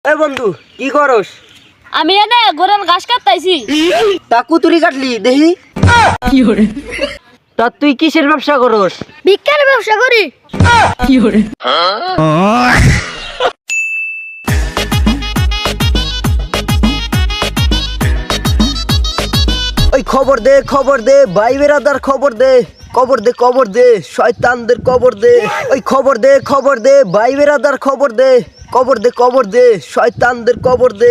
এ বন্ধু কি করস? আমি এনে গোরাল ঘাস কাটতাইছি। তা কুতুরি কাটলি দেখি। কি হরে তা তুই কিসের ব্যবসা করস? ভিক্ষার ব্যবসা করি। কি হরে ওই খবর দে ভাই বেরাদার খবর দে শয়তানদের কবর দে। ওই খবর দে ভাই বেরাদার খবর দে শয়তানদের কবর দে।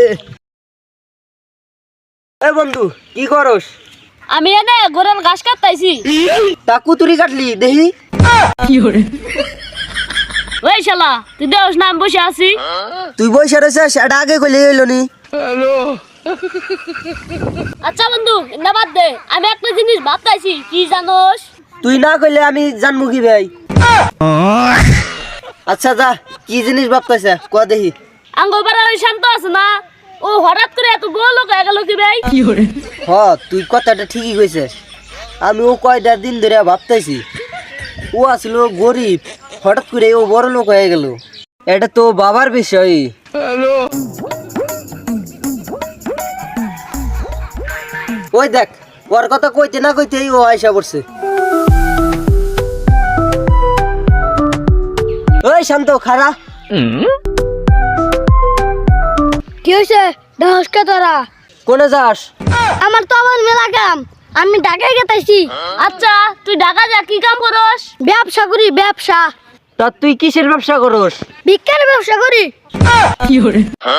এ বন্ধু কি করস? আমি এনে গোরাল ঘাস কাটতাইছি। তা কুতুরি কাটলি দেখি। কি হরে ওই শালা তুই দেখ না আমি বসে আছি। তুই বসে রয়েছিস, এটা আগে কইলে হইল নি। আচ্ছা বন্ধু না বাদ দে, আমি একটা জিনিস ভাবতাইছি কি জানোস? তুই না কইলে আমি জানবো কি ভাই? আচ্ছা যা, কি জিনিস ভাবতেছে ক দেখি। আঙ্গোপাড়া ওই শান্ত আছে না, ও হঠাৎ করে এত বড় লোক হয়ে গেল কি ভাই? কি হরে হ তুই কথাটা ঠিকই কইছিস। আমি ও কয়টা দিন ধরে ভাবতেছি, ও আসলো গরিব, হঠাৎ করে ও বড় লোক হয়ে গেল। এটা তো বাবার বিষয়। ওই দেখ, ওর কথা কইতে না কইতেই ও আয়সা পড়ছে। ওই শান্ত খারা। কি হয়েছে ঢসকে তোরা? কোনে যাস? আমার তো আবার মেলা কাম, আমি ঢাকায় গেতাইছি। আচ্ছা তুই ঢাকা যা কি কাম করস? ব্যবসা করি ব্যবসা। তা তুই কিসের ব্যবসা করস? ভিক্ষার ব্যবসা করি। কি হরে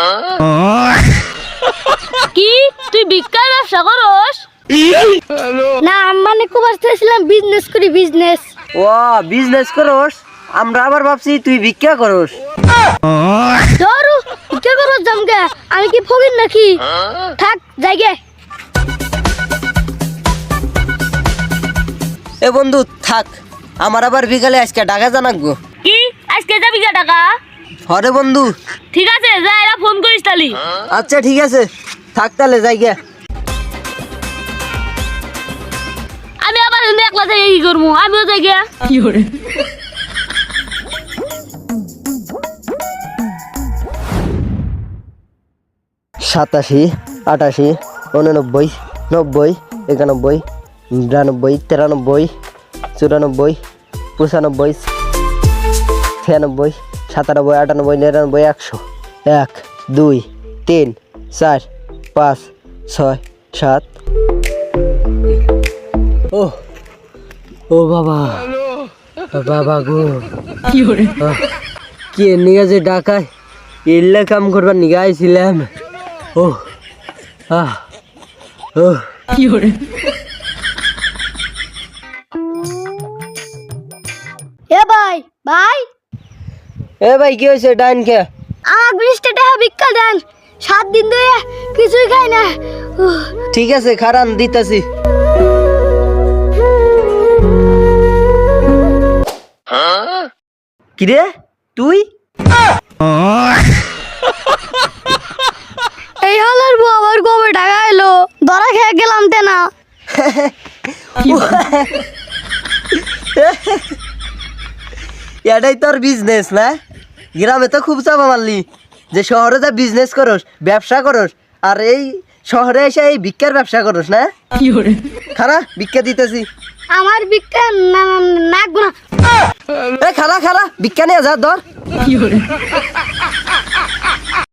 কি তুই ভিক্ষার ব্যবসা করস? না মানে কুবাসতেছিলাম বিজনেস করি বিজনেস। ও বিজনেস করস? আমরা আবার ভাবছি তুই ভিক্ষা করস। ধরু ভিক্ষা করস জামকে, আমি কি ফকির নাকি? থাক যাইগে। এ বন্ধু থাক, আমার আবার বিকালে আজকে ঢাকা জানাকবো। কি আজকে যাবি কে টাকা? হরে বন্ধু। ঠিক আছে যা, এরা ফোন করিস তালি। আচ্ছা ঠিক আছে, থাক তাহলে যাই গে। আমি আবার একলা যাই কি করবো, আমিও যাই গে। কি হরে 87, 88, 89, 90, 91, 92, 93, 94, 95, 96, 97, 98, 99, 100। 1, 2, 3, 4, 5, 6, 7। ও বাবা, বাবা গো, কি হরে কি নিয়ে যে ঢাকায় এলে কাম করবার নিয়ে আইছিলাম। কি হরে এ ভাই ভাই, এ ভাই কি হয়েছে ডাইন কে? আমার 20 টাকা ভিক্ষা দেন, 7 দিন ধরে কিছুই খাই না। ঠিক আছে খারান দিতাছি। কিরে তুই? এই হলার বউ আবার কবে টাকা এলো, ধরা খেয়ে গেলাম তে না। এটাই তোর বিজনেস না? গ্রামে তো খুব চাপা মারলি যে শহরে যা বিজনেস করস, ব্যবসা করস, আর এই শহরে এসে এই ভিক্ষার ব্যবসা করস না? কি হরে খারা ভিক্ষা দিতেছি। আমার ভিক্ষা নাকবো না। খারা ভিক্ষা নিয়ে যা ধর। কি হরে